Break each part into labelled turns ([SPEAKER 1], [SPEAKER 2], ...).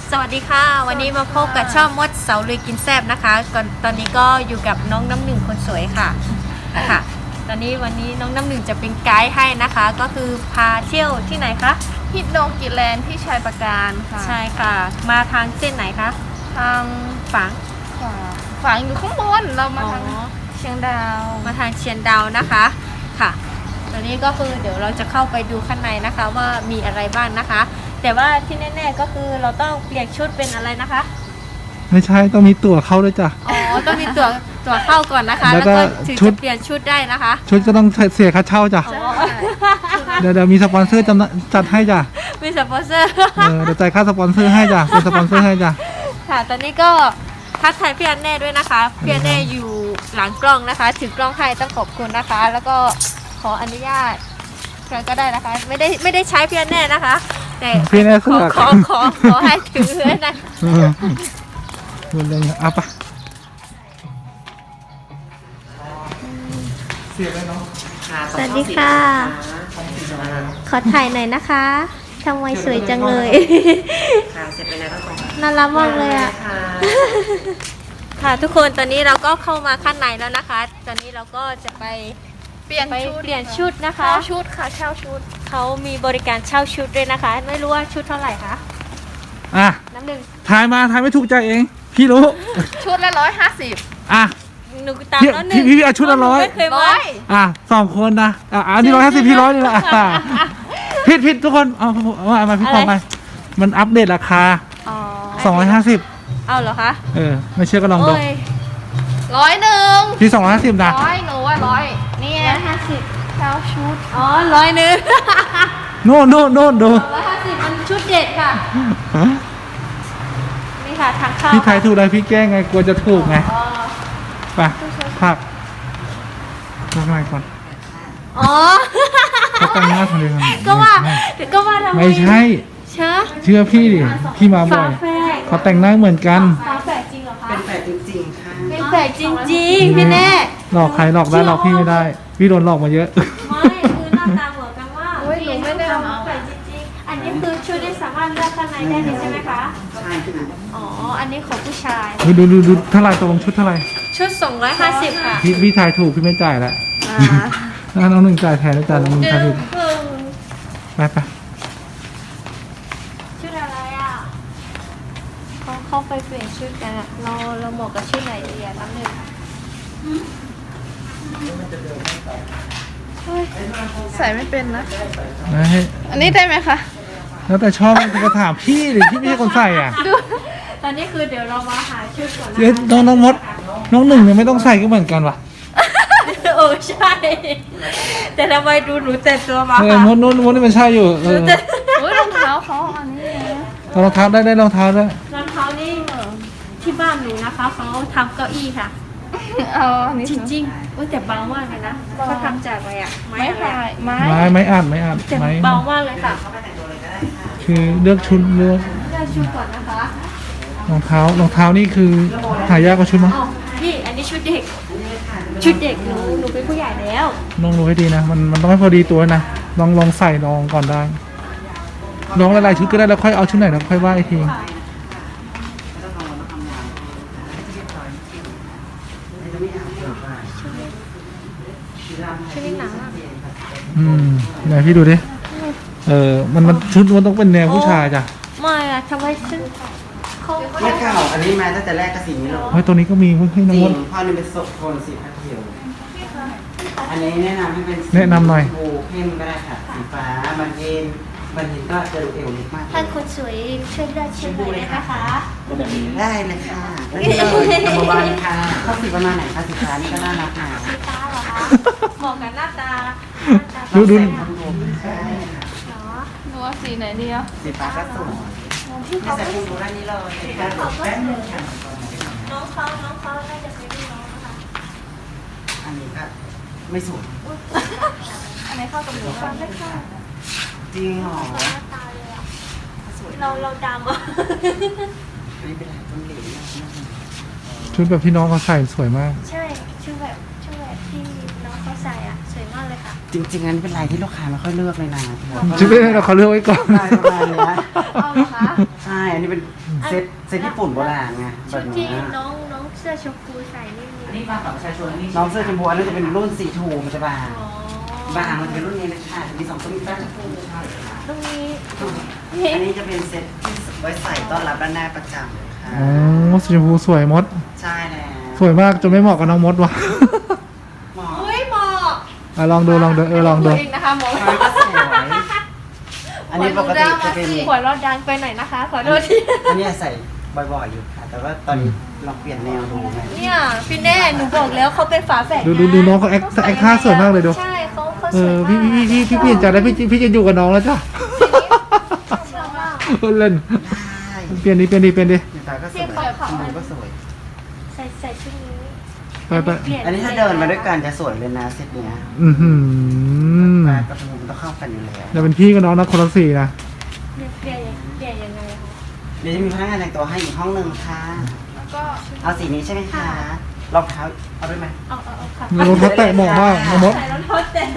[SPEAKER 1] สวัสดีค่ะวันนี้มาพบกับช่องมดเสาลุยกินแซ่บนะคะตอนนี้ก็อยู่กับน้องน้ำหนึ่งคนสวยค่ะตอนนี้วันนี้น้องน้ำหนึ่งจะเป็นไกด์ให้นะคะ ก็คือพาเที่ยวที่ไหนคะ
[SPEAKER 2] ฮิตโนกิแลนด์ที่ชัยปราการค่ะ
[SPEAKER 1] ใช่ค่ะมาทางเส้นไหนคะ
[SPEAKER 2] ทางฝังอยู่ข้างบนเรามาทางเชียงดาว
[SPEAKER 1] มาทางเชียงดาวนะคะค่ะตอนนี้ก็คือเดี๋ยวเราจะเข้าไปดูข้างในนะคะว่ามีอะไรบ้างนะคะแต่ว่าที่แน่ๆก็คือเราต้องเปลี่ยนชุดเป็นอะไรนะคะ
[SPEAKER 3] ไม่ใช่ต้องมีตั๋วเข้าด้วยจ้ะ
[SPEAKER 1] อ๋อต้องมีตั๋วเข้าก่อนนะคะแล้วก็ถึงจะเปลี่ยนชุดได้นะคะ
[SPEAKER 3] ชุดก็ต้องเสียค่าเช่าจ้ะเดี๋ยวมีสปอนเซอร์จัดให้จ้ะ
[SPEAKER 1] มีสปอนเซอร์
[SPEAKER 3] เดี๋ยวจ่ายค่าสปอนเซอร์ให้จ้ะเป็นสปอนเซอร์ให้จ้ะ
[SPEAKER 1] ค่ะตอนนี้ก็ทักทายพี่อันแน่ด้วยนะคะพี่อันแน่อยู่หลังกล้องนะคะถือกล้องให้ต้องขอบคุณนะคะแล้วก็ขออนุญาตใครก็ได้นะคะไม่ได้ใช้พี่อันแน่นะคะแต่
[SPEAKER 3] พี่แน่
[SPEAKER 1] ขอให้ถือนะ
[SPEAKER 3] คุณเลยเอาปะเสียเลยเนาะ
[SPEAKER 1] สวัสดีค่ะขอถ่ายหน่อยนะคะทำไมสวยจังเลย
[SPEAKER 4] ค่ะเสร็จไปแล้วก็
[SPEAKER 1] น่ารักมากเลยอ่ะค่ะทุกคนตอนนี้เราก็เข้ามาข้างในแล้วนะคะตอนนี้เราก็จะไปเปลี่ยนชุดนะคะ
[SPEAKER 2] เช่าชุดค่ะเช่าชุด
[SPEAKER 1] เขามีบริการเช่าชุดด้วยนะคะไม่รู้ว่าชุดเท่าไหร่คะน้ำหนึ่ง
[SPEAKER 3] ถ่ายไม่ถูกใจเองพี่รู้
[SPEAKER 2] ชุดละ150
[SPEAKER 1] หนูตามแล้วหนึ่ง
[SPEAKER 3] พี่เอาชุดละ100 2 คนนะอันนี้150พี่100นี่แหละผิดทุกคนเอามาพี่ขอมามันอัปเดตราคา250
[SPEAKER 1] เอาเหรอคะ
[SPEAKER 3] ไม่เชื่อก็ลองดู
[SPEAKER 2] 100
[SPEAKER 3] พี่250นะ
[SPEAKER 2] 100หนูว่า100นี่150เช่าชุด
[SPEAKER 1] 100
[SPEAKER 3] โน่นดู
[SPEAKER 1] 150มันชุดเด็ดค่ะนี่ค่ะทางเข้า
[SPEAKER 3] พี่ไทยถูกอะไรพี่แก้ไงกลัวจะถูกไงไปพักไงก่อนเขาแต่งหน้าทำไม
[SPEAKER 1] ก็ว่าทำไม
[SPEAKER 3] ไม่ใช่เชื่อพี่ดิพี่มาบ่อยเขาแต่งหน้าเหมือนกัน
[SPEAKER 1] แฝดจริงเหรอคะ
[SPEAKER 4] เป็นแฝดจริงๆค่ะ
[SPEAKER 1] เป็นแฝดจริงๆพี่แน่
[SPEAKER 3] หลอกใครหลอกได้หลอกพี่ไม่ได้พี่โดนหลอกมาเยอะ
[SPEAKER 1] ไม่คือหน้าตาเหมือนกันว่า
[SPEAKER 2] หนูไม่ได้เอา
[SPEAKER 1] แฝดจริงๆอันนี้คือชุดได้สามารถเลือกข้างในได้เลยใช่ไหมคะ
[SPEAKER 4] ใช่ค่ะ
[SPEAKER 1] อันนี้ของผู้ชาย
[SPEAKER 3] ดูเท่าไรตกลงชุดเท่าไร
[SPEAKER 1] ชุด250ค่ะ
[SPEAKER 3] พี่ถ่ายถูกพี่ไม่จ่ายละน้องหนึ่งจ่ายแทนแล้วจ่ายน้องหนึ่งจ่ายถูกไป
[SPEAKER 1] ชุดอะไรอ่ะเขาไปเปลี่ยนชุดกันเราเหมาะกับชุดไหนดีอ่ะน้ำหนึ่ง
[SPEAKER 2] ใส่ไม่เป็นนะ
[SPEAKER 3] ให้
[SPEAKER 2] อันนี้ได้ไหมคะ
[SPEAKER 3] แล้วแต่ชอบจะถามพี่หรือพี่ไม่ใช่คนใส่อ่ะ
[SPEAKER 1] ตอนนี้คือเดี๋ยวเรามาหาชุดก่อน
[SPEAKER 3] นะน้องมดน้องหนึ่งเนี่ยไม่ต้องใส่ก็เหมือนกันว่ะ
[SPEAKER 1] ใช่แต่ทำไมดูหนูแต่ตัวมา
[SPEAKER 3] ค่ะมดนี่มันใช่อยู่
[SPEAKER 2] รองเท้าเขาอันนี้
[SPEAKER 3] รองเท้าได้รองเท้าได้
[SPEAKER 1] รองเท้านี่ที่บ้านหนูนะคะเขาทำเก้าอี้ค่ะจริงๆแต่เบามากเลยนะเขาทำจากอะไรอ่ะ
[SPEAKER 3] ไม้อัด
[SPEAKER 1] แต่เบามากเลยค่ะ
[SPEAKER 3] คือเลือกชุด
[SPEAKER 1] ก่อนนะคะ
[SPEAKER 3] รองเท้านี่คือหายากกว่าชุดมั้ง
[SPEAKER 1] พี่อันนี้ชุดเด็กหนูเป็นผู้ใหญ่แล้ว
[SPEAKER 3] ลองดูให้ดีนะมันต้องให้พอดีตัวนะลองใส่ลองก่อนได้ลองหลายๆชุดก็ได้แล้วค่อยเอาชุดไหนแล้วค่อยว่าอีกที
[SPEAKER 1] ชุดนี้หนัง
[SPEAKER 3] ไหนพี่ดูดิมันชุดมันต้องเป็นแนวผู้ชายจ้ะ
[SPEAKER 1] ไม่อะทำไมชุด
[SPEAKER 4] ไม่เก่าอันนี้มาตั้งแต่แรกก็สีนี้เลย
[SPEAKER 3] ตัวนี้ก็มีให้น้องมด
[SPEAKER 4] พอนี่เป็นโทนสีพัดเขียวอันนี้แนะนำให้เป็น
[SPEAKER 3] แนะนำหน่อย
[SPEAKER 4] บูเข้มก็ได้ค่ะสีฟ้ามันเห็นก็จะดูเอวเล็กมาก
[SPEAKER 1] ท่านคนสวยช่วยได้เช็คเลยนะคะ
[SPEAKER 4] ได้เลยค่ะได้เลยกระบาลค่ะเข้าสีประมาณไหนคะสีฟ้านี่ก็น่ารักนะ
[SPEAKER 1] สีฟ้าเหรอคะเหมาะกับหน้าตา
[SPEAKER 3] ดู
[SPEAKER 2] หนูว่าสีไหนดีอ่ะ
[SPEAKER 4] สีฟ้าก็สวยจะใส่คุณดูด้านนี้เลย
[SPEAKER 1] น้องเขาน่าจะเป็นน้องนะคะ
[SPEAKER 4] อันนี้ก็ไม่สวย
[SPEAKER 2] อันไหนเข้ากับหนูบ้างได้ค่ะ
[SPEAKER 4] จริงเหรอ
[SPEAKER 1] หน้าตาเลยอ่ะเราดำอ่ะ
[SPEAKER 4] นี่เป็นอะไรต้นเหลว
[SPEAKER 3] ชุดแบบที่น้องเขาใส่สวยมาก
[SPEAKER 1] ใช่ชุดแบบที่น้องเขาใส่อ่ะสวยมากเลยค่ะ
[SPEAKER 4] จริงๆอันนี้เป็นลายที่ลูกค้าไม่ค่อยเลือกเลยนะ
[SPEAKER 3] ชุดไม่ได้เราเขาเลือกไว้ก่อน
[SPEAKER 4] ลายประมาณนี้
[SPEAKER 1] เอาเหรอคะ
[SPEAKER 4] ใช่อันนี้เป็นเซตญี่ปุ่นโบราณไงแบ
[SPEAKER 1] ชุ
[SPEAKER 4] บ
[SPEAKER 1] ดที่
[SPEAKER 4] นี้
[SPEAKER 1] น้องเสื้อชมพูใส่นี่
[SPEAKER 5] อันนี้มากับประชาชนอันนี้
[SPEAKER 4] น้องเสื้อชมพูอันนั้นจะเป็นรุ่นสีทูมันจะบาง
[SPEAKER 1] อ๋อบ
[SPEAKER 4] างมันจะเป็นรุ่นนี้เลยค่ะมี2ตัวมีฟ้าชมพูใช่
[SPEAKER 1] ตรงนี้
[SPEAKER 4] อันนี้จะเป็นเซตที่ไว้ใส่ต้อนรับด้านหน้าประจำเลยค่ะ
[SPEAKER 3] อ๋อสีชมพูสวยมด
[SPEAKER 4] ใช่แล้ว
[SPEAKER 3] สวยมากจนไม่เหมาะกับน้องมดว่ะ
[SPEAKER 4] หมอ
[SPEAKER 1] เฮ้ยหมอก
[SPEAKER 3] อ่ะลองดูลองดูลองดู
[SPEAKER 2] ตัวเองนะคะหมอ
[SPEAKER 4] มันก็สวยอันนี้ปกติจะเป็น
[SPEAKER 1] หัวเราะดังไปหน่อยนะคะขอโทษที
[SPEAKER 4] อันนี้ใส่บ่อยๆอยู่ค่ะ แต่ว่าตอนนี้ลองเปลี่ยนแนวดูไหม
[SPEAKER 1] เนี่ยพี่แน่หนูบอกแล้วเขาเป็นฝาแฝด
[SPEAKER 3] ดูน้องเขาแอคท่าสวยมากเลยดู
[SPEAKER 1] ใช่เขา
[SPEAKER 3] เอ
[SPEAKER 1] สวย
[SPEAKER 3] อ
[SPEAKER 1] มาก
[SPEAKER 3] พี่เปลี่ยนใจแล้วพี่จะอยู่กับน้องแล้วจ้ะ
[SPEAKER 1] ชอบมาก
[SPEAKER 3] เล่น
[SPEAKER 4] ใช่
[SPEAKER 3] เปลี่ยนดิ
[SPEAKER 4] ตาก็สวยมันก็สวย
[SPEAKER 1] ใส่ชุดนี้
[SPEAKER 3] ไป
[SPEAKER 4] อันนี้ถ้าเดินมาด้วยกันจะสวยเลยนะเซตเนี้ย
[SPEAKER 3] อือหือ
[SPEAKER 4] ปลากระทงมันต้องเข้ากันอยู่แล้ว
[SPEAKER 3] เดี๋ยวเป็นพี่กับน้องนะคนละสีนะ
[SPEAKER 1] เปลี่ยนยังไงคะ
[SPEAKER 4] เดี๋ยวจะมีพนักงานแต่งตัวให้อีกห้องหนึ่งค่ะ
[SPEAKER 2] แล้วก็
[SPEAKER 4] เอาสีนี้ใช่ไหมคะรองเท้าเอาด้วยไหม
[SPEAKER 1] เอาค่ะ
[SPEAKER 3] น้องเขาแตะเหมาะมากน้องมด
[SPEAKER 1] ใส่รองเท้าแตะ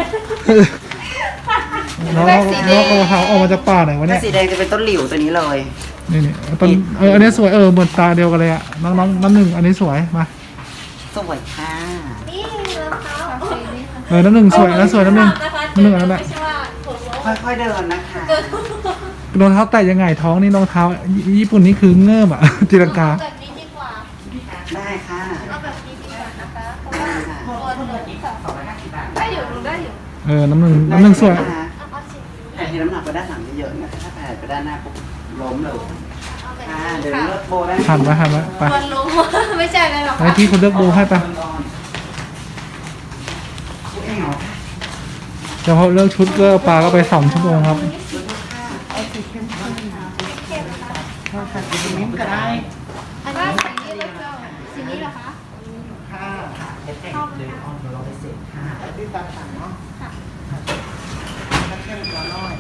[SPEAKER 3] น้องเขาออกมาจากป่าไหนวะ
[SPEAKER 4] ถ้า
[SPEAKER 3] เนี่ย
[SPEAKER 4] สีแดงจะเป็นต้นหลิวตัวนี้เลย
[SPEAKER 3] นี่ต้นอันนี้สวยเหมือนตาเดียวกันเลยอะน้องน้ำหนึ่งอันนี้สวยมา
[SPEAKER 4] สวยค่ะ
[SPEAKER 1] นี่รองเท้า
[SPEAKER 2] สีนี้ค่ะ
[SPEAKER 3] น้ำหนึ่งสวยนะสวยน้ำหนึ่งน้ำหนึ่งอันนั้นแหละ
[SPEAKER 1] ไม่ใช่ว่าผมว่า
[SPEAKER 4] ค่อยๆเดินนะคะ
[SPEAKER 3] รองเท้าแตะยังไงท้องนี่รองเท้าญี่ปุ่นนี่คือเงื่อมอะ ตีลังกา
[SPEAKER 1] แบบนี้ดีกว่า
[SPEAKER 4] ได้ค่ะ
[SPEAKER 1] เอาแบบนี้ดีกว่านะคะเพราะว่าตัวนี้ค่ะ
[SPEAKER 2] ได้อยู่ลุงได้อยู่
[SPEAKER 3] น้ำหนึ่งสวย
[SPEAKER 1] เอาสิ
[SPEAKER 4] แต่ที่น้ำหนักไปด้านหลังเยอะๆนะคะถ้าแผ่ไปด้านหน้าปุ๊บล้มเลย
[SPEAKER 1] เอาแบบ
[SPEAKER 4] ค่ะ
[SPEAKER 1] นี้
[SPEAKER 4] เดี๋ยว
[SPEAKER 1] ค่ะ
[SPEAKER 4] เลือกโบได้
[SPEAKER 3] หันมาไป
[SPEAKER 1] ตัวลงไม่ใช่อะไรหรอก
[SPEAKER 3] ไอ้พี่คนเลือกโบให้ไป
[SPEAKER 4] เอ้ยเหรอ
[SPEAKER 3] เดี๋ยวพอเลือกชุดก็ปลาก็ไป2 ชั่วโมงครับ
[SPEAKER 4] เราใส่สีมิ้นก็ได้
[SPEAKER 1] อันนี้สีนี้เลยเจ้าสีนี้เหรอคะ
[SPEAKER 4] ค่ะเดี๋ยวเดี๋ยวเราไปเสร็จค่ะพี่ตาสั่งเนาะค่ะถ้าเข้มกว่าน้อย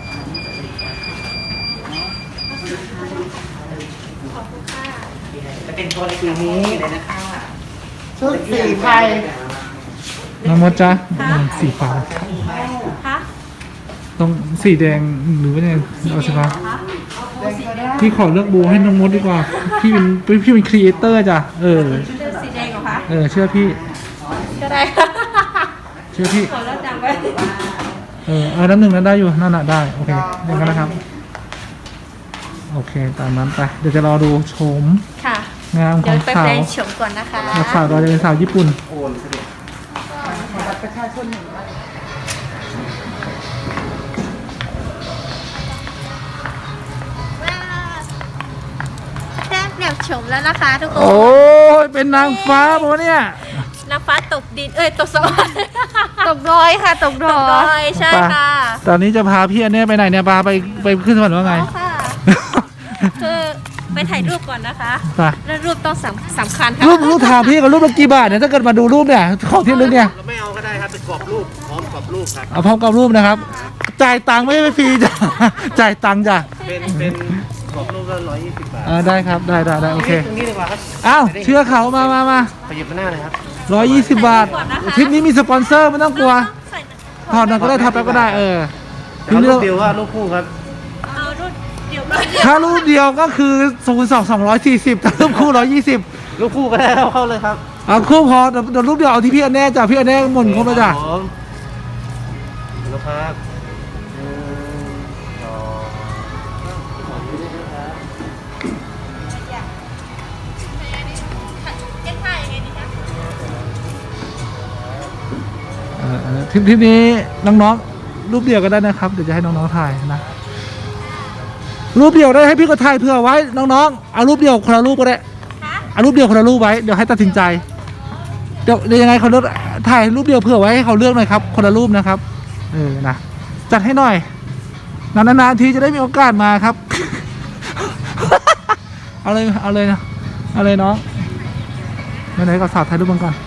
[SPEAKER 1] ขอบคุณค่ะ
[SPEAKER 4] จะเป็นตัวเล็กอย่างนี้เลยนะคะ
[SPEAKER 5] ชุดสีไทย
[SPEAKER 3] น้องมดจ้ะสีฟ้า
[SPEAKER 1] คะ
[SPEAKER 3] ตรงสีแดงหรือว่าเนี่ยเอาสีฟ้า
[SPEAKER 1] คะ
[SPEAKER 3] พี่ขอเลือกโบให้น้องมดดีกว่า พี่เป็นครีเอเตอร์จ้ะ
[SPEAKER 1] เสื้อสีแดงเหรอคะ
[SPEAKER 3] เชื่อพี่
[SPEAKER 1] ก็ได้
[SPEAKER 3] เชื่อพี่
[SPEAKER 1] ขอแล้วจำไว้
[SPEAKER 3] น้ำหนึ่งนั้นได้อยู่นั่นน่ะได้โอเคอย่างนั้นนะครับโอเคตามนั้นไปเดี๋ยวจะรอดูชม
[SPEAKER 1] ค่ะ
[SPEAKER 3] งามข
[SPEAKER 1] เดี๋ย
[SPEAKER 3] อ
[SPEAKER 1] ว
[SPEAKER 3] ง
[SPEAKER 1] ไป
[SPEAKER 3] สา
[SPEAKER 1] แปล
[SPEAKER 3] ว
[SPEAKER 1] งโฉมก่อนนะคะ
[SPEAKER 3] สาวเราจะเป็นสาวญี่ปุ่น
[SPEAKER 4] โอนสะดวก
[SPEAKER 5] บัตรประชาชนหนึ่งใบ
[SPEAKER 1] แต้มแบบโฉมแล้วนะคะทุกคน
[SPEAKER 3] โอ้ยเป็นนางฟ้าปะวะเนี่ย
[SPEAKER 1] น้ำฟ้าตกดินตกสวรรค์
[SPEAKER 2] ตกดอยค่ะตกด
[SPEAKER 1] ตกด
[SPEAKER 2] อ
[SPEAKER 1] อย ยใช่ค่ะ
[SPEAKER 3] ตอนนี้จะพาพี่อันเนี้ยไปไหนเนี่ยพาไปขึ้นสวรรค์ว่าไง
[SPEAKER 1] เอาค่ะ คือไปถ่ายรูปก่อนนะคะ
[SPEAKER 3] ไป
[SPEAKER 1] แล้วรูปต้องสำคัญค่ะ
[SPEAKER 3] รูปถามพี่กับรูปละกี่บาทเนี่ยถ้าเกิดมาดูรูปเนี่ยของที่ลึกเนี่ย
[SPEAKER 6] เราไม่เอาก็ได้ครับเป็นกรอบรูปพร้อมกรอบรูปครับ
[SPEAKER 3] เอาพร้อมกับรูปนะครับ จ่ายตังค์ไม่ฟรีจ้ะ จ่ายตังค์จ้ะ
[SPEAKER 6] เป็นกรอบรูปละ120 บาท
[SPEAKER 3] ได้ครับได้โอเค
[SPEAKER 6] ตรงนี้ดีกว่าครับ
[SPEAKER 3] อ้าวเชื่อเขามา
[SPEAKER 6] ขยับมาหน้าเลยครับ
[SPEAKER 3] 120 บาททริปนี้มีสปอนเซอร์ไม่ต้องกลัวถอดหน่อยก็ได้ถอดแป๊บก็ได้
[SPEAKER 6] เอารูปเดียวว่ารูปคู่ครับ
[SPEAKER 1] เอารูปเดี๋ยว
[SPEAKER 3] ถ้ารูปเดียวก็คือ240ถ้ารูปคู่120
[SPEAKER 6] รูปคู่ก็ได้เข้าเลยครับ
[SPEAKER 3] เอาคู่พอเดี๋ยวรูปเดียวเอาที่พี่อันแน่จ้ะพี่อันแน่หมดครบแล้วจ้ะ
[SPEAKER 6] ผมรูปครับ
[SPEAKER 3] ทริปนี้น้องๆรูปเดียวก็ได้นะครับเดี๋ยวจะให้น้องๆถ่ายนะรูปเดียวได้ให้พี่ก็ถ่ายเผื่อไว้น้องๆเอารูปเดียวคนละรูปก็ได้เอารูปเดียวคนละรูปไว้เดี๋ยวให้ตัดสินใจเดี๋ยวยังไงเขาเลือกถ่ายรูปเดียวเผื่อไว้ให้เขาเลือกหน่อยครับคนละรูปนะครับนะจัดให้หน่อยนานๆทีจะได้มีโอกาสมาครับ เอาเลยนะเอาเลยน้องไหนๆก็สาวถ่ายรูปกันก่อน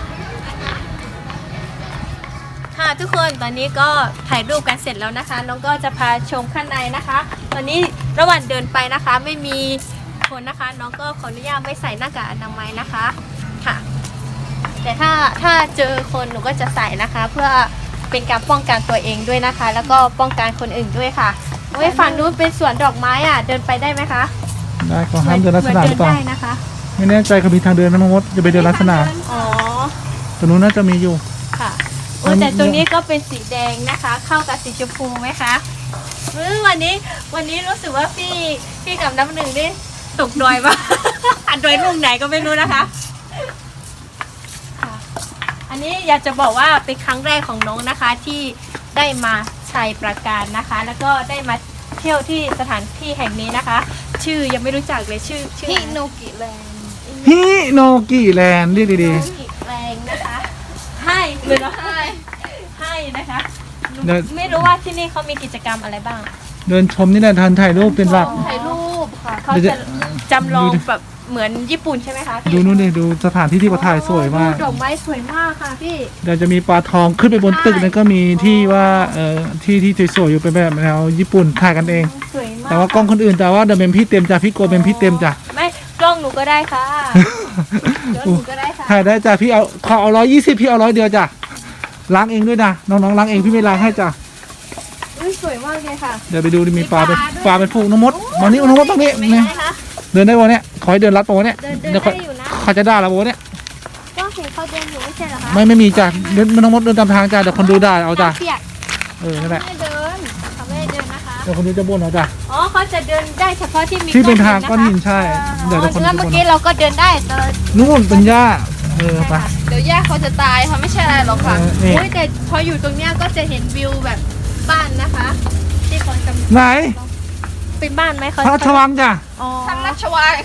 [SPEAKER 1] ค่ะทุกคนตอนนี้ก็ถ่ายรูปกันเสร็จแล้วนะคะน้องก็จะพาชมข้างในนะคะ ตอนนี้ระหว่างเดินไปนะคะ ไม่มีคนนะคะ น้องก็ขออนุญาตไม่ใส่หน้ากากอนามัยนะคะค่ะ แต่ถ้าเจอคนหนูก็จะใส่นะคะ เพื่อเป็นการป้องกันตัวเองด้วยนะคะ แล้วก็ป้องกันคนอื่นด้วยค่ะไว้ฝั่งนู้นเป็นสวนดอกไม้อ่ะเดินไปได้ไหมคะ
[SPEAKER 3] ได้ก็ห้ามเดินลัดสนามหรือเปล่า
[SPEAKER 1] ได้นะคะ
[SPEAKER 3] ไม่แน่ใจเขามีทางเดินไหมน้องมดจะไปเดินลัดสนาม
[SPEAKER 1] อ๋อ
[SPEAKER 3] ตรงนู้นน่าจะมีอยู่
[SPEAKER 1] ค่ะโอ้แต่ตรงนี้ก็เป็นสีแดงนะคะ เข้ากับสีชมพูไหมคะวันนี้รู้สึกว่าพี่กับน้ำหนึ่งนี่ตกดอยปะ ดอยลุงไหนก็ไม่รู้นะคะค่ะอันนี้อยากจะบอกว่าเป็นครั้งแรกของน้องนะคะที่ได้มาชัยประการนะคะ แล้วก็ได้มาเที่ยวที่สถานที่แห่งนี้นะคะ ชื่อยังไม่รู้จักเลยชื่อ
[SPEAKER 2] ฮิโนกิแลนด์
[SPEAKER 3] ฮิโนกิแลนด์เรียกดี
[SPEAKER 1] อีกแรงนะคะให้เลยนะให้นะคะไม่รู้ว่าที่นี่เขามีกิจกรรมอะไรบ้าง
[SPEAKER 3] ๆเดินชมนี่แหละทันถ่ายรูปเป็นหลัก
[SPEAKER 2] ถ่ายรูปค่ะ
[SPEAKER 1] เขาจะจำลองแบบเหมือนญี่ปุ่นใช่ไหมคะพี่
[SPEAKER 3] ดูนู่นดิดูสถานที่ที่เขาถ่ายสวยมาก
[SPEAKER 1] ดอกไม้สวยมากค่ะพี่
[SPEAKER 3] เดี๋ยวจะมีปลาทองขึ้นไปบนตึกนั้นก็มีที่ว่าที่สวยๆอยู่เป็นแบบแนวญี่ปุ่นถ่ายกันเอง
[SPEAKER 1] สวยมาก
[SPEAKER 3] แต่ว่ากล้องคนอื่นแต่ว่าเดี๋ยวเป็นพี่เต็มจ้ะพี่โกเป็นพี่เต็มจ้ะ
[SPEAKER 1] ไม่กล้องหนูก็ได้ค่ะเดี๋ยวหนูก็ได้ค่ะ
[SPEAKER 3] ถ่ายได้จ้ะพี่เอาขอเอา120พี่เอา100เดียวจ้ะล้างเองด้วยนะน้องๆล้างเองพี่ไม่ล้างให้จ้ะ
[SPEAKER 1] อุ้ยสวยมากเลยค่ะ
[SPEAKER 3] เดี๋ยวไปดูดิมีปลาเป็นฝูงน้องมดวันนี้น้องมดตรงนี้
[SPEAKER 1] ไม่
[SPEAKER 3] นี่
[SPEAKER 1] ได้คะ
[SPEAKER 3] เดินได้วันเนี้ยขอให้เดินลัดปะวะเนี่ย
[SPEAKER 1] เดิน
[SPEAKER 3] เดี๋ยว
[SPEAKER 1] ได้อยู่นะ
[SPEAKER 3] เขาจะด่าเราปะวะเนี่ย
[SPEAKER 1] ก็เห็นเขาเดินอยู่ไม่ใช่เหรอคะ
[SPEAKER 3] ไม่มีจ้ะเดินน้องมดเดินตามทางจ้ะเดี๋ยวคนดูด่าเอาจ้ะ
[SPEAKER 1] เปียก
[SPEAKER 3] นั่นแหละ
[SPEAKER 1] ไม่เดินเขาไม่ได้เดินนะคะ
[SPEAKER 3] เดี๋ยวคนดูจะบ่นเอาจ้ะ
[SPEAKER 1] อ๋อเขาจะเดินได้เฉพาะที่มี
[SPEAKER 3] ที่เป็นทาง
[SPEAKER 1] ะคะ
[SPEAKER 3] ก้อนหินใช่เดี๋ยวคนดู
[SPEAKER 1] แล้ว
[SPEAKER 3] จะ
[SPEAKER 1] เมื่อ
[SPEAKER 3] บ่น
[SPEAKER 1] กี้เราก็เดินได้แต่
[SPEAKER 3] นู่นเป็นหญ้าไป
[SPEAKER 2] เดี๋ยวย่าเขาจะตายค่ะไม่ใช่อะไรหรอกค่ะ
[SPEAKER 3] นี่
[SPEAKER 1] โอ้ยแต่พออยู่ตรงเนี้ยก็จะเห็นวิวแบบบ้านนะคะ ที่เขาจะ
[SPEAKER 3] ไหน
[SPEAKER 1] เป็นบ้านไหมเขา
[SPEAKER 3] พระราชวังจ้ะ
[SPEAKER 1] อ๋อ
[SPEAKER 2] ทางราชวัง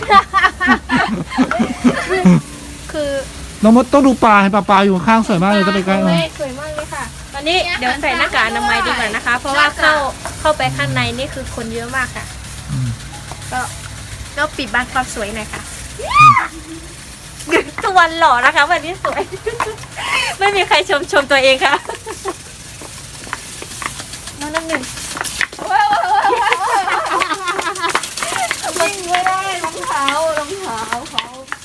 [SPEAKER 1] คือ
[SPEAKER 3] น้องมดต้องดูปลาเห็นปลาอยู่ข้างๆสวยมากเลยจะไปใกล้
[SPEAKER 1] สวยมากเลยค่ะ ตอนนี้เดี๋ยวใส่หน้ากากอนามัยดีกว่านะคะ เพราะว่าเข้าไปข้างในนี่คือคนเยอะมากค่ะ ก็ปิดบังความสวยหน่อยค่ะทุกวันหล่อนะคะ วันนี้สวย ไม่มีใครชมตัวเองค่ะน้องน้ำหนึ่ง
[SPEAKER 2] วิ่งไม่ได้รองเท้าเขา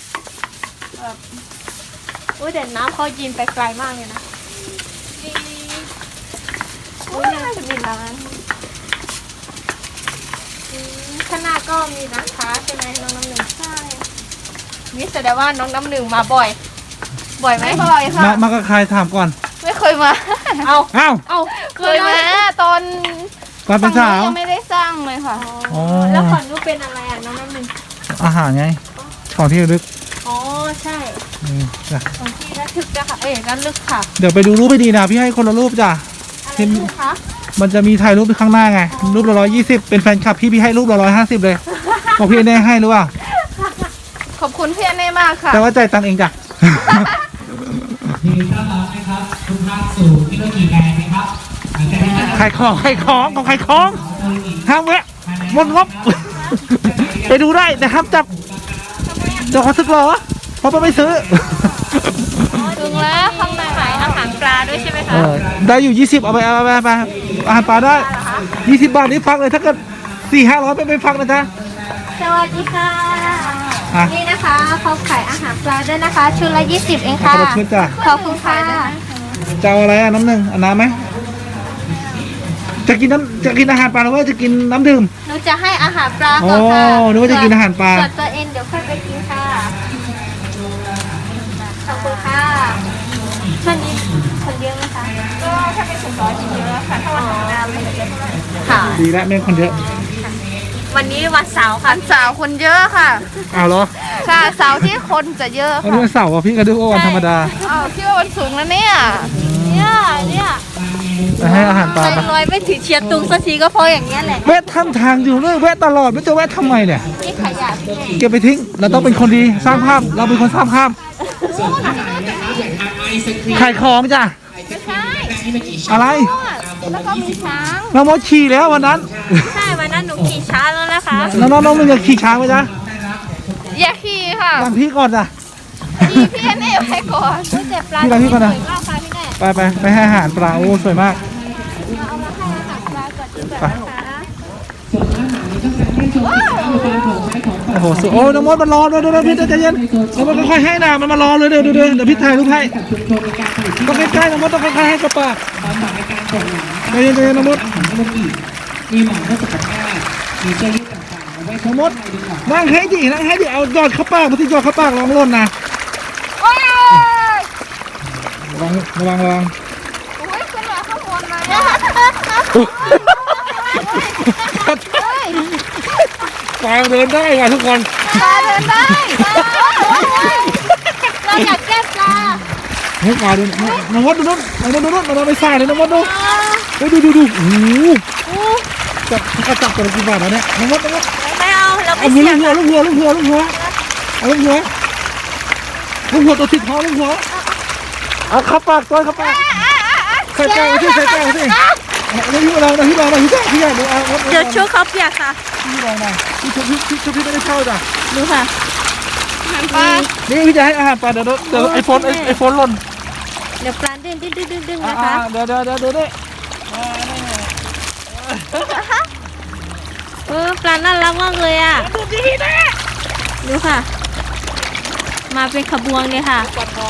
[SPEAKER 1] อุ้ยแต่น้ำเขายินไปไกลมากเลยนะอุ้ยน่าจะมีร้านข้างหน้าก็มีร้านค้าใช่ไหมน้องน้ำหนึ่งใช่นี่แสดงว่าน้องน้ำหนึ่งมาบ่อย บ่อยไหม
[SPEAKER 2] ไม่บ่อยค่ะ
[SPEAKER 3] มากับใครถามก่อน
[SPEAKER 2] ไม่เคยมา
[SPEAKER 1] เอา
[SPEAKER 3] อ้าว
[SPEAKER 2] เคยมาตอน
[SPEAKER 3] ตอนเป็นสาว
[SPEAKER 2] ยังไม่ได้สร้างเลยค่ะ
[SPEAKER 3] อ๋อ
[SPEAKER 1] แล้วของนู้นเป็นอะไรอ่ะน้องน้ำหนึ่ง
[SPEAKER 3] อาหารไงของที่ระลึก
[SPEAKER 1] อ๋อใช่
[SPEAKER 3] จ้ะ
[SPEAKER 1] ของที่ระทึกนะคะระลึกค่ะ
[SPEAKER 3] เดี๋ยวไปดูรูปให้ดีนะพี่ให้คนละรูปจ้ะ
[SPEAKER 1] อะไรลูกคะ
[SPEAKER 3] มันจะมีถ่ายรูปข้างหน้าไงรูปละ120เป็นแฟนคลับพี่ให้รูปละ150เลยบอกพี่แน่ให้หรือเปล่า
[SPEAKER 2] ขอบคุณพี่แน่มากค่ะ
[SPEAKER 3] แต่ว่าจ่ายตังค์เองจ้ะ
[SPEAKER 7] ยินดีต้อนรับนะครับทุกท่านสู่ฮิโนกิแลนด์นะครับหลังจากนี้นะครับ
[SPEAKER 3] ขายของของขายของห้ามแวะหมดงบ ไปดูได้แต่ห้ามจับเดี๋ยวเขาสึกหรอเพราะไม่ซื้อ
[SPEAKER 2] ถึงแล้วข้างใน
[SPEAKER 1] ขายอาหารปลาด้วยใช่ไหมคะ
[SPEAKER 3] ได้อยู่20เอาไปอาหารปลาได้20 บาทนี่ฟังเลยถ้าเกิด400-500ไม่ฟังนะจ๊ะ
[SPEAKER 1] สวัสดีค่ะ
[SPEAKER 3] อ่ะ
[SPEAKER 1] นี่นะคะเขาขายอาหารปลาด้วยนะคะชุดละ20เองค่ะ
[SPEAKER 3] ขอบคุณจ้ะ
[SPEAKER 1] ขอบคุณค่ะ
[SPEAKER 3] จะเอาอะไรอ่ะน้ำหนึ่งเอาน้ำไหมจะกินอาหารปลาหรือว่าจะกินน้ำดื่ม
[SPEAKER 1] หนูจะให้อาหารปลาก่อนค่ะ
[SPEAKER 3] อ๋อนึกว่าจะกินอาหารปลา
[SPEAKER 1] ส่วนตัวเองเดี๋ยวค่อยไปกินค่ะขอบคุณค่ะช่วงนี้คนเยอะไหมคะ
[SPEAKER 2] ก็ถ้าเป็นสุนทรเยอะค่ะถ้าวันธรรมดาไม่เยอะเท่าไหร่
[SPEAKER 1] ค่ะ
[SPEAKER 3] ดีแล้วแม่งคนเยอะ
[SPEAKER 1] วันนี้วันเสาร์ค่ะ
[SPEAKER 2] วันเสาร์คนเยอะค่ะ
[SPEAKER 3] เอาเหรอ
[SPEAKER 2] ใช่เสาร์ที่คนจะเยอะ
[SPEAKER 3] วัน
[SPEAKER 2] ค่ะ
[SPEAKER 3] นี้วันเสาร์อ่ะพี่ก็ดูว่าวันธรรมดา
[SPEAKER 2] อ้าวพี่ว่าวันสูงแล้วเนี่ย
[SPEAKER 1] เนี่ย
[SPEAKER 3] ไปให้อาหารปลา
[SPEAKER 1] ใจ
[SPEAKER 3] ไป
[SPEAKER 1] ลอยไม่ถึงเชียงตุงสักทีก็เพราะอย่างเงี้ยแหละ
[SPEAKER 3] แวะทำทางอยู่เลยแวะตลอดไม่จะแวะทำไมเนี่ย
[SPEAKER 1] นี่ขยะพี่แม่
[SPEAKER 3] เก็บไปทิ้งเราต้องเป็นคนดีสร้างภาพเราเป็นคนสร้างภาพขายของจ้ะอะไร
[SPEAKER 2] แล้วก็มีช้าง
[SPEAKER 3] เรามดขี่แล้ววันนั้น
[SPEAKER 1] ใช่วันนั้นหนูขี่ช้าแล้วนะคะ
[SPEAKER 3] น้องมึงอยากขี่ช้างไหมจ๊ะ
[SPEAKER 2] อย่าขี่ค่ะ
[SPEAKER 3] ตามพี่ก่อนจ้ะ
[SPEAKER 2] พี่แน่ไปก่อน
[SPEAKER 1] อุ้ยแต่ปลา
[SPEAKER 3] พี่ก่อนพี่ก่อนนะ
[SPEAKER 1] สวยมากค่ะพี่แม่
[SPEAKER 3] ไปให้อาหารปลาโอ้สวยมาก
[SPEAKER 1] เอามาให้อาหารปลาก่อนดีกว่านะคะ
[SPEAKER 3] โอ้โหสวยโอ้น้องมดมันรอเลยเดี๋ยวพี่ใจเย็นน้องมดค่อยๆให้นะมันมารอเลยเดี๋ยวพี่ถ่ายรูปให้ต้องใกล้ๆน้องมดต้องค่อยๆให้กับปากใจเย็นน้องมด
[SPEAKER 7] มีหมอนเพื่อสุขภาพมีเสื้อยืดต่างๆ
[SPEAKER 3] น้องมดนั่งให้ดิเอายอดเข้าปากมาที่ยอดเข้าปากลองหล่นนะ
[SPEAKER 2] โอ้ย
[SPEAKER 3] ระวัง
[SPEAKER 2] โอ้ยขึ้นมาข้างบนเลยอะ
[SPEAKER 3] ปลาเดินได้ว่ะทุกคน
[SPEAKER 2] ปลาเดินได้เราอยากแก้ปลา
[SPEAKER 3] ให้ปลาเดินน้องมดดูนู่นเราไปสายเลยน้องมดดูเฮ้ยดูโอ้โหจับตัวกี่บาทแล้วเนี่ยน้องมด
[SPEAKER 1] ไม่เอาเราไม่
[SPEAKER 3] เอา
[SPEAKER 1] เสี่ยง
[SPEAKER 3] ลูกหัวเอาลูกหัวตัวติดคอลูกหัวเอาเข้าปากตัวเข้าปากใส่แก้วสิแล้วพี่มาลองนะพี่อยากดูเอา
[SPEAKER 1] เดี๋ยวชูเขาเปียกค่ะ
[SPEAKER 3] พี่ลองนะพี่ไม่ได้เข้าจ้ะ
[SPEAKER 1] ดูค่ะ
[SPEAKER 3] นี่พี่จะให้อาหารปลาเดี๋ยวไอโฟนหล่น
[SPEAKER 1] เดี๋ยวปลาดึงนะคะ
[SPEAKER 3] เดี๋ยวได้
[SPEAKER 1] ปลาน่ารักมากเลยอ่ะดูค่ะ มาเป็นขบวนเลยค่ะ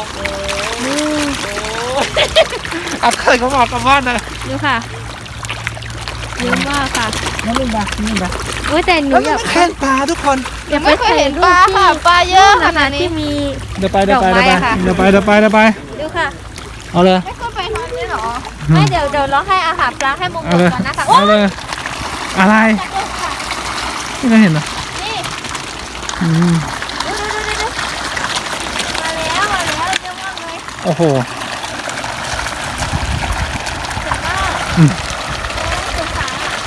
[SPEAKER 3] อัดเคยเขาบอกกับบ้านนะ
[SPEAKER 1] ดูค่ะเยอะมากค่ะ
[SPEAKER 3] น้องเล่นปลา
[SPEAKER 1] โอ้ยแต่หนูอยาก
[SPEAKER 3] แค่ปลาทุกคน
[SPEAKER 2] ยังไม่เคยเห็นปลาค่ะปลาเยอะขนาดนี้
[SPEAKER 1] ที่มี
[SPEAKER 3] เดี๋ยวไป
[SPEAKER 1] ดอกไม้ค่ะ
[SPEAKER 3] ดูค่ะ เอาเลย
[SPEAKER 2] ไม่เคยไปทำนี่หรอ
[SPEAKER 1] ไม่เดี๋ยวเราให้อาหารปลาให้มงคลก่อนนะคะ
[SPEAKER 3] เอาเลยอะไรไม่เห็นเหรอ
[SPEAKER 1] นี่
[SPEAKER 3] อืม
[SPEAKER 1] ดูมาแล้วเยอะมากเลย
[SPEAKER 3] โอ้โห
[SPEAKER 1] สงสาร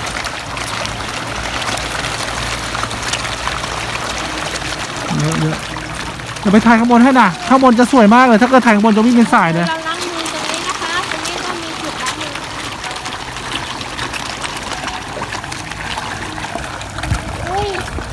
[SPEAKER 3] เยอะเดี๋ยวไปถ่ายข้างบนให้น่ะข้างบนจะสวยมากเลยถ้าเกิดถ่ายข้างบนจะวิ่งเป็นสายเลย
[SPEAKER 1] เราล้างมือตรงนี้นะคะตรงนี้ก็มีจุดล้างมืออุ้ย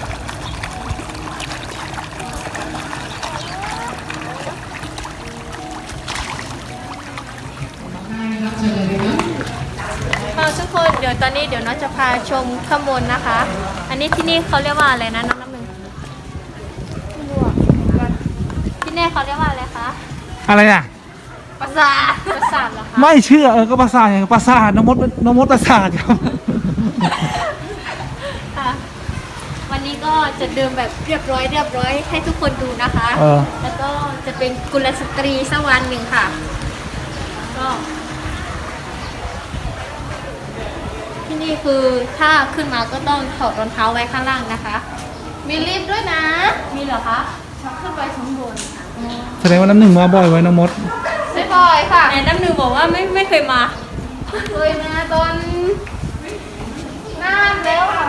[SPEAKER 1] ทุกคนเดี๋ยวตอนนี้เดี๋ยวน้องจะพาชมข้างบนนะคะ อันนี้ที่นี่เขาเรียกว่าอะไรนะน้องน้ำหนึ่งไม่รู้อ่ะที่นี่เขาเรียกว่าอะไรคะ
[SPEAKER 3] อะไรอ่ะ
[SPEAKER 1] ปราสาทเหรอคะ
[SPEAKER 3] ไม่เชื่อก็ปราสาทอย่างปราสาทน้องมดปราสาทครับ
[SPEAKER 1] ค่ะวันนี้ก็จะเดินแบบเรียบร้อยให้ทุกคนดูนะคะ แล้วก็จะเป็นกุลสตรีสักวันหนึ่งค่ะก็ที่นี่คือถ้าขึ้นมาก็ต้องถอดรองเท้าไว้ข้างล่างนะคะ
[SPEAKER 2] มีลิฟต์ด้วยนะ
[SPEAKER 1] มีเหรอคะ
[SPEAKER 2] ชักขึ้นไปชั้นบนค่ะ
[SPEAKER 3] แสดงว่าน้ำหนึ่งมาบ่อยไว้น้องมด
[SPEAKER 2] ไม่บ่อยค่ะ
[SPEAKER 1] แต่น้ำหนึ่งบอกว่าไม่เคยมา
[SPEAKER 2] เคยมาตอนนานแล้วค่ะ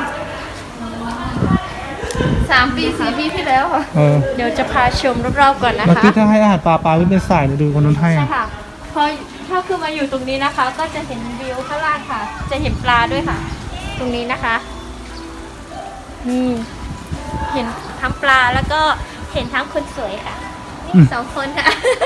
[SPEAKER 2] 3 ปี 4 ปีที่แล้วค่ะ
[SPEAKER 1] เดี๋ยวจะพาชมรอบๆก่อนนะ
[SPEAKER 3] เมื่อ
[SPEAKER 1] คะ
[SPEAKER 3] กี้ถ้าให้อาหารปลาวิ่งเป็นสายเลยดูคนนั้นให้
[SPEAKER 1] ใช่ค่ะ พอถ้าขึ้นมาอยู่ตรงนี้นะคะ ก็จะเห็นวิวข้างล่างค่ะ จะเห็นปลาด้วยค่ะ ตรงนี้นะคะนี่เห็นทั้งปลาแล้วก็เห็นทั้งคนสวยค่ะนี่สองคนค่ะ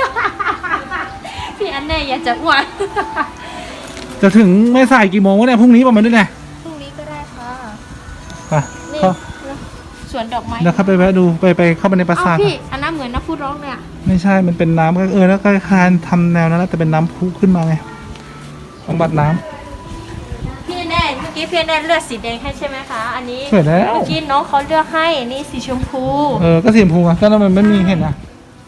[SPEAKER 1] พี่อันแน่อยากจะอ้วน
[SPEAKER 3] จะถึงแม่สายกี่โมงวะเนี่ยพรุ่งนี้ประมาณนี้แหละ
[SPEAKER 1] พรุ่งนี้ก็ได้ค่ะ
[SPEAKER 3] ไป
[SPEAKER 1] นี่
[SPEAKER 3] เข้า
[SPEAKER 1] สวนดอกไม้
[SPEAKER 3] เดี๋ยวเข้าไปแวะดูไปเข้าไปในปรา
[SPEAKER 1] อ้า
[SPEAKER 3] สาว ท
[SPEAKER 1] พี่อันนั้นเหมือนน้ำพุร้องเลยอะ
[SPEAKER 3] ไม่ใช่มันเป็นน้ำก็แล้วก็คานทำแนวนั้นแล้วแต่เป็นน้ำพุขึ้นมาไงบำบัดน้ำ
[SPEAKER 1] พี่แน่เมื่อกี้พี่แน่เลือกสีแดงให้ใช่ไหมคะ อันนี้
[SPEAKER 3] สวยแล้ว
[SPEAKER 1] เมื่อกี้น้องเขาเลือกให้นี่สีชมพู
[SPEAKER 3] ก็สีชมพูอะก็แล้วมันไม่มีเห็นอ่ะ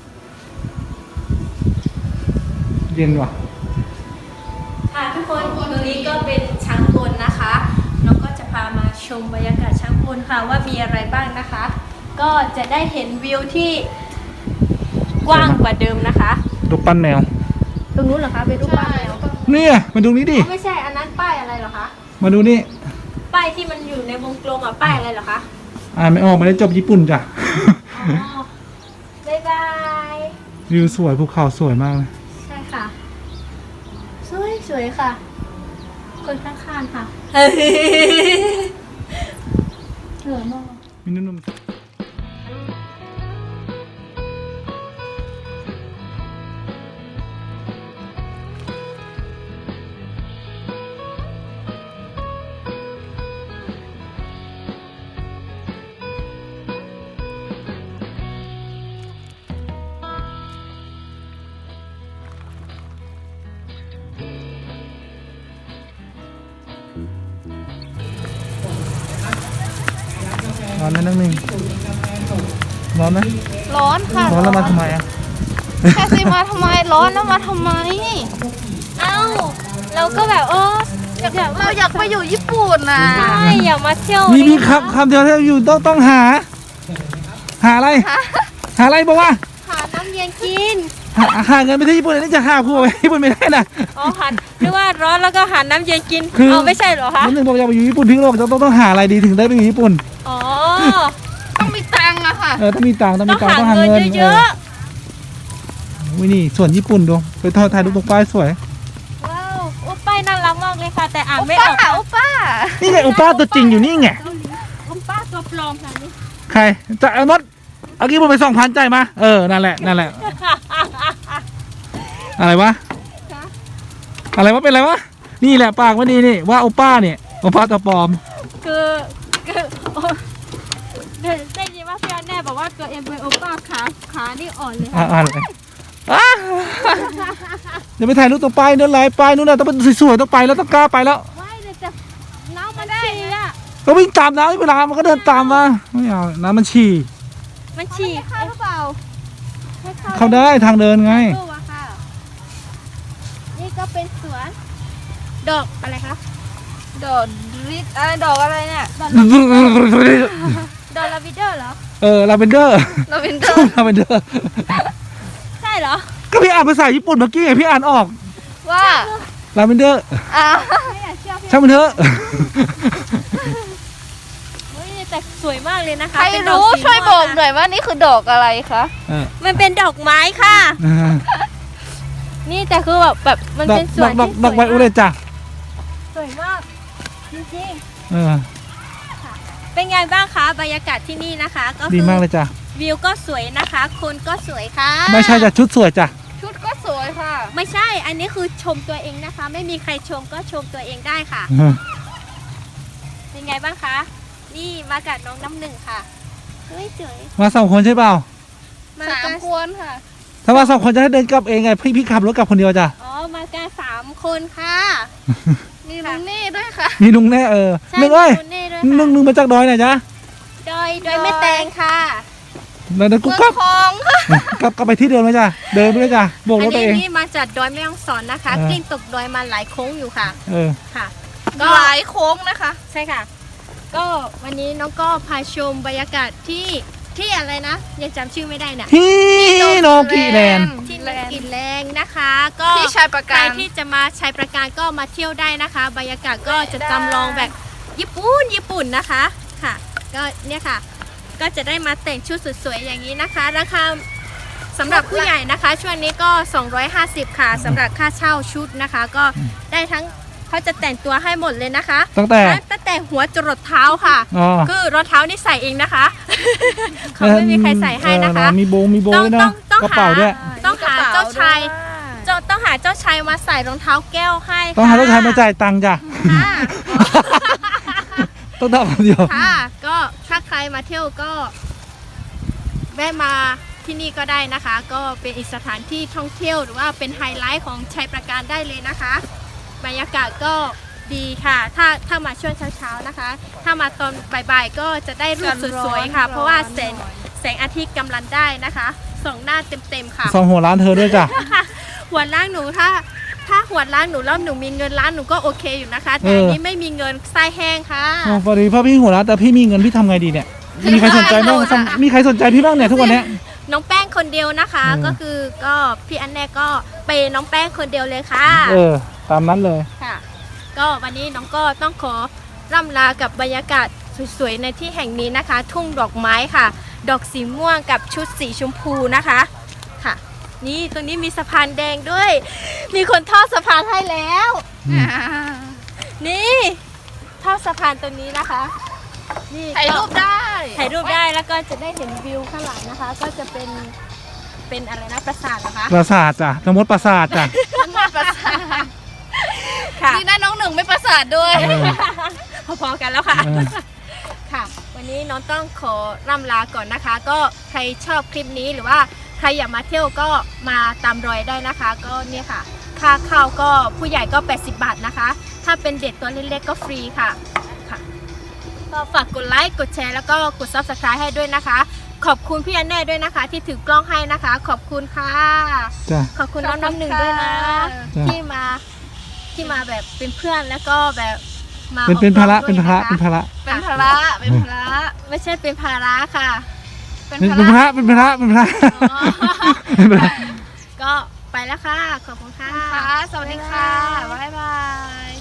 [SPEAKER 3] เย็นว่ะ
[SPEAKER 1] ค่ะทุกคนตรงนี้ก็เป็นช้างบนนะคะน้องก็จะพามาชมบรรยากาศช้างบนค่ะว่ามีอะไรบ้างนะคะ ก็จะได้เห็นวิวที่กว้างกว่าเดิมนะคะ
[SPEAKER 3] ดูปั้นแมว
[SPEAKER 1] ตรงนู้นเหรอคะเป็นรูปปั้นแมว
[SPEAKER 3] เนี่ยมาดูนี้ดิ
[SPEAKER 1] ไม่ใช่อันนั้นป้ายอะไรเหรอคะ
[SPEAKER 3] มาดูนี่
[SPEAKER 1] ป้ายที่มันอยู่ในวงกลมอ่ะป้ายอะไรเหรอคะ
[SPEAKER 3] ไม่ออกไม่ได้จบญี่ปุ่นจ้ะ
[SPEAKER 1] อ๋อบ๊ายบาย
[SPEAKER 3] วิวสวยภูเขาสวยมากเลย
[SPEAKER 1] ใช่ค่ะ สวยค่ะ คนข้างๆค่ะเหลือมาก
[SPEAKER 3] มีนุ่มร้อนไหมน้องหนึ่งร้อนไหม
[SPEAKER 2] ร้อนค่ะ
[SPEAKER 3] ร้อนแล้วมาทำไมอ่ะ
[SPEAKER 2] แค่สิมาทำไมร้อนแล้วมาทำไม
[SPEAKER 1] เอ้าเราก็แบบ
[SPEAKER 2] เราอยากไปอยู่ญี่ปุ่นนะ
[SPEAKER 1] ใช่อยากมาเที่ยว
[SPEAKER 3] มีคำเดียวที่อยู่ต้องหาอะไร หาอะไรบอกว่า
[SPEAKER 1] หาน้ำเย็นกิน
[SPEAKER 3] หาเงินไปที่ญี่ปุ่นอันนี้จะหาผัวไปญี่ปุ่นไม่ได้นะ
[SPEAKER 1] อ๋อหันหรือว่าร้อนแล้วก็หาน้ำเย็นกิน
[SPEAKER 3] คือ
[SPEAKER 1] เอาไม่ใช่เหรอคะ
[SPEAKER 3] น้องหนึ่งบอกอยากไปอยู่ญี่ปุ่นพี่ก็บอกต้องหาอะไรดีถึงได้ไปอยู่ญี่ปุ่น
[SPEAKER 1] อ๋อ
[SPEAKER 2] ต้องมีตังค์อะค่ะ
[SPEAKER 3] ต้องมีตังค์ต้อง
[SPEAKER 1] ต้
[SPEAKER 3] มี
[SPEAKER 1] อง
[SPEAKER 3] ตังค์
[SPEAKER 1] หา
[SPEAKER 3] ต้องหา
[SPEAKER 1] เงิน
[SPEAKER 3] เงิน
[SPEAKER 1] เยอะ
[SPEAKER 3] วินี่ส่วนญี่ปุ่นดูไปถ่ายรูปตรงป้ายสวย
[SPEAKER 1] ๆว้าวโอ้ป้ายน่ารักมากเลยค่ะ แต่อ่านไม่อ
[SPEAKER 2] ป้า
[SPEAKER 1] อก
[SPEAKER 2] โอป้า
[SPEAKER 3] นี่ไงอุป้าตัวจริงอยู่นี่ไง
[SPEAKER 1] โอ้ป้าตัวปลอมค่ะนี่
[SPEAKER 3] ใครจะเอานดเอากี้ผมไป2,000ใจายมานั่นแหละอะไรวะอะไรวะเป็นอะไรวะนี่แหละปากมันดีนี่ว่าโอป้าเนี่ยโอป้าตัวปลอม
[SPEAKER 1] คือโอ้ได้ยินว่าพี่อันแน่บอกว่าตัวเองเป็นโอป้าขานี่อ่อนเลยค่ะ
[SPEAKER 3] อ่านเลยเดี๋ยวไปถ่ายรูปตรงป้ายนั่นไรป้ายนู่นน่ะต้องเป็นสวยๆต้องไปแล้วต้องกล้าไปแล้ว
[SPEAKER 1] ไม่เลยจะน้ำมันฉี่อะ
[SPEAKER 3] ก็วิ่งตามน้ำเวลามันก็เดินตามมาไม่เอาน้ำมันฉี่
[SPEAKER 1] มันฉี่
[SPEAKER 2] เข้าหรือเปล่า
[SPEAKER 3] เข้าได้ทางเดินไง
[SPEAKER 1] ตู้อะค่ะ นี่ก็เป็นสวน ดอกอะไรคะ
[SPEAKER 2] ดอกริดอะไรดอกอะไรเนี่ย
[SPEAKER 1] ดอกลาวิเดอร์เหรอ
[SPEAKER 3] ลาเวนเดอร์
[SPEAKER 2] ลาเวนเดอร์
[SPEAKER 3] ลาเวนเดอร์
[SPEAKER 1] ใช่เหรอ
[SPEAKER 3] ก็พี่อ่านภาษาญี่ปุ่นเมื่อกี้ไงพี่อ่านออก
[SPEAKER 2] ว่า
[SPEAKER 3] ลาเวนเดอร์
[SPEAKER 1] ไม่อยากเชื่อพี่
[SPEAKER 3] ช่างมันเถอะ
[SPEAKER 1] เฮ้ยแต่สวยมากเลยนะคะ
[SPEAKER 2] ใคร
[SPEAKER 1] เป็นดอ
[SPEAKER 2] รู้
[SPEAKER 1] สี
[SPEAKER 2] ช่วยบอกห
[SPEAKER 1] ม่วง
[SPEAKER 2] น่อยว่านี่คือดอกอะไรคะ
[SPEAKER 1] มันเป็นดอกไม้ค่ะ นี่แต่คือแบบมัน
[SPEAKER 3] ดอก
[SPEAKER 1] เป็นส
[SPEAKER 3] ด
[SPEAKER 1] ว
[SPEAKER 3] อน กดอก
[SPEAKER 1] ที่
[SPEAKER 3] ดอกไวโอเลตจ้ะ
[SPEAKER 1] สวยมาก จริง
[SPEAKER 3] เออ
[SPEAKER 1] ๆ เป็นไงบ้างคะบรรยากาศที่นี่นะคะ ก็
[SPEAKER 3] ดี
[SPEAKER 1] คือ
[SPEAKER 3] มากเลยจ้ะ
[SPEAKER 1] วิวก็สวยนะคะ คนก็สวยค่ะ
[SPEAKER 3] ไม่ใช่จ้ะชุดสวยจ้ะ
[SPEAKER 2] ชุดก็สวยค่ะ
[SPEAKER 1] ไม่ใช่ อันนี้คือชมตัวเองนะคะ ไม่มีใครชมก็ชมตัวเองได้ค่ะ เป็นไงบ้างคะ นี่มากับน้องน้ำหนึ่งค่ะเฮ้ยสวย
[SPEAKER 3] มา2 คนใช่เปล่า
[SPEAKER 1] มา
[SPEAKER 2] สา
[SPEAKER 1] กั
[SPEAKER 2] ม
[SPEAKER 1] น
[SPEAKER 2] คนค่ะ
[SPEAKER 3] ถ้ามา2 คนจะให้เดินกลับเองไงพี่ขับรถกลับคนเดียวจ้ะ
[SPEAKER 1] อ๋อ มากัน3 คนค่ะ
[SPEAKER 2] มีลุงนี่ด้วยค่ะ
[SPEAKER 3] มีลุงแน่
[SPEAKER 1] ใช่
[SPEAKER 3] หนึ่งเอ้ย
[SPEAKER 1] คุณเน่ด้วย
[SPEAKER 3] หนึ่ง
[SPEAKER 1] ค่ะ
[SPEAKER 3] มาจากดอยไหนจ๊ะ
[SPEAKER 1] ดอยไม่แตงค่ะ
[SPEAKER 3] เดี๋ยวกู
[SPEAKER 2] เมือง
[SPEAKER 3] กลับ
[SPEAKER 2] ทองค่ะ
[SPEAKER 3] กลับไปที่เดิมไหมจ้ะเดินไปเลยจ้ะโบก
[SPEAKER 1] อั
[SPEAKER 3] ร
[SPEAKER 1] น
[SPEAKER 3] ถตัว
[SPEAKER 1] นี้
[SPEAKER 3] เอง
[SPEAKER 1] นี่มาจากดอยแม่ฮ่องสอนนะคะ
[SPEAKER 3] เออ
[SPEAKER 1] กลิ้งตกดอยมาหลายโค้งอยู่ค่ะ ค่ะ ก็
[SPEAKER 2] หลายโค้งนะคะ
[SPEAKER 1] ใช่ค่ะ ก็วันนี้น้องก็พาชมบรรยากาศที่อะไรนะ ยังจำชื่อไม่ได้น่ะ
[SPEAKER 3] ที่โนกิแลนด์
[SPEAKER 1] ที่นกกินแรงนะคะ ก็
[SPEAKER 2] ที่ชายประ
[SPEAKER 1] ใคร
[SPEAKER 2] การ
[SPEAKER 1] ที่จะมาใช้ประการก็มาเที่ยวได้นะคะ บรรยากาศก็จะจำลองแบบญี่ปุ่นนะคะค่ะ ก็เนี่ยค่ะ ก็จะได้มาแต่งชุดสวยๆอย่างนี้นะคะ ราคาสำหรับผู้ใหญ่นะคะ ช่วงนี้ก็250ค่ะสำหรับค่าเช่าชุดนะคะ ก็ได้ทั้งเขาจะแต่งตัวให้หมดเลยนะคะ
[SPEAKER 3] ตั้งแต่
[SPEAKER 1] หัวจรดเท้าค่ะ
[SPEAKER 3] อ๋อ
[SPEAKER 1] คือรองเท้านี่ใส่เองนะคะ เขาไม่มีใครใส่ให้นะคะ
[SPEAKER 3] มีโบด้วยนะ
[SPEAKER 1] ต้อง
[SPEAKER 3] กระเป๋าด้วย
[SPEAKER 1] ต้องหาเจ้าชายต้องหาเจ้าชายมาใส่รองเท้าแก้วให้ค่ะ
[SPEAKER 3] ต้องหาลูกชายมาจ่ายตังค์จ้ะ
[SPEAKER 1] ค่ะ
[SPEAKER 3] ต้องทำคนเดียว
[SPEAKER 1] ค่ะ ก็ถ้าใครมาเที่ยวก็แวะมาที่นี่ก็ได้นะคะ ก็เป็นอีกสถานที่ท่องเที่ยวหรือว่าเป็นไฮไลท์ของชัยประการได้เลยนะคะ บรรยากาศก็ดีค่ะ ถ้ามาช่วงเช้าๆนะคะ ถ้ามาตอนบ่ายๆก็จะได้รูปสวยๆค่ะ เพราะว่าแสงอาทิตย์กำลังได้นะคะส่องหน้าเต็มๆค่ะ
[SPEAKER 3] สองหัวร้านเธอด้วยจ้ะ
[SPEAKER 1] หัวล้างหนูถ้าหัวล้างหนูแล้วหนูมีเงินล้านหนูก็โอเคอยู่นะคะ แต่อันนี้ไม่มีเงินไส้แห้งค่ะ
[SPEAKER 3] อ๋อพอดีพ่อพี่หัวร้านแต่พี่มีเงินพี่ทำไงดีเนี่ย มีใครสนใจบ้างมีใครสนใจพี่บ้างเนี่ยทุกวันเนี้ย
[SPEAKER 1] น้องแป้งคนเดียวนะคะ
[SPEAKER 3] อืม
[SPEAKER 1] ก็คือก็พี่อันแน่ก็เปย์น้องแป้งคนเดียวเลยค่ะ
[SPEAKER 3] ตามนั้นเลย
[SPEAKER 1] ค่ะ ก็วันนี้น้องก็ต้องขอร่ำลากับบรรยากาศสวยๆในที่แห่งนี้นะคะ ทุ่งดอกไม้ค่ะ ดอกสีม่วงกับชุดสีชมพูนะคะค่ะ นี่ตรงนี้มีสะพานแดงด้วย มีคนทอดสะพานให้แล้ว นี่ทอดสะพานตรงนี้นะคะนี่
[SPEAKER 2] ถ่ายรูปได้
[SPEAKER 1] ถ่ายรูปได้แล้วก็จะได้เห็นวิวข้างหลังนะคะ ก็จะเป็นอะไรนะปราสาทนะคะ
[SPEAKER 3] ปราสาทจ้ะทั้งหมดปราสาทจ้ะ
[SPEAKER 2] ประสาท
[SPEAKER 1] ค่ะ
[SPEAKER 2] นี่นะน้องหนึ่งไม่ประสาทด้วย
[SPEAKER 1] พอๆกันแล้วค่ะ
[SPEAKER 3] เออ
[SPEAKER 1] ค่ะ วันนี้น้องต้องขอร่ำลาก่อนนะคะ ก็ใครชอบคลิปนี้หรือว่าใครอยากมาเที่ยวก็มาตามรอยได้นะคะ ก็เนี่ยค่ะ ค่าเข้าก็ผู้ใหญ่ก็80 บาทนะคะ ถ้าเป็นเด็กตัวเล็กๆก็ฟรีค่ะค่ะ ตก็ฝากกดไลค์กดแชร์แล้วก็กด Subscribe ให้ด้วยนะคะ ขอบคุณพี่อันแน่ด้วยนะคะ ที่ถือกล้องให้นะคะ ขอบคุณค่ะ
[SPEAKER 3] จ้ะ
[SPEAKER 1] ขอบคุณน้องน้ำหนึ่งด้วยนะ
[SPEAKER 3] จ้ะ
[SPEAKER 1] ที่มาแบบเป็นเพื่อนแล้วก็แบบมา
[SPEAKER 3] เป็นภาระ
[SPEAKER 1] ออกกล้อง
[SPEAKER 3] เป็นภาระ
[SPEAKER 1] ด้วย
[SPEAKER 3] เป็นภาระ
[SPEAKER 2] เป็นภาระเป็นภาระ
[SPEAKER 1] ไม่ใช่เป็นภาระค่ะ
[SPEAKER 2] เป็น
[SPEAKER 3] เป็น
[SPEAKER 2] ภา
[SPEAKER 3] ภา
[SPEAKER 2] ระ
[SPEAKER 3] ระเป็นภาระเป็นภาระ
[SPEAKER 1] อ๋อ
[SPEAKER 3] เป็นภาระ
[SPEAKER 1] ก็ไปแล้วค่ะ ขอบคุณค่ะ
[SPEAKER 2] ค่ะสวัสดีค่ะบ๊ายบาย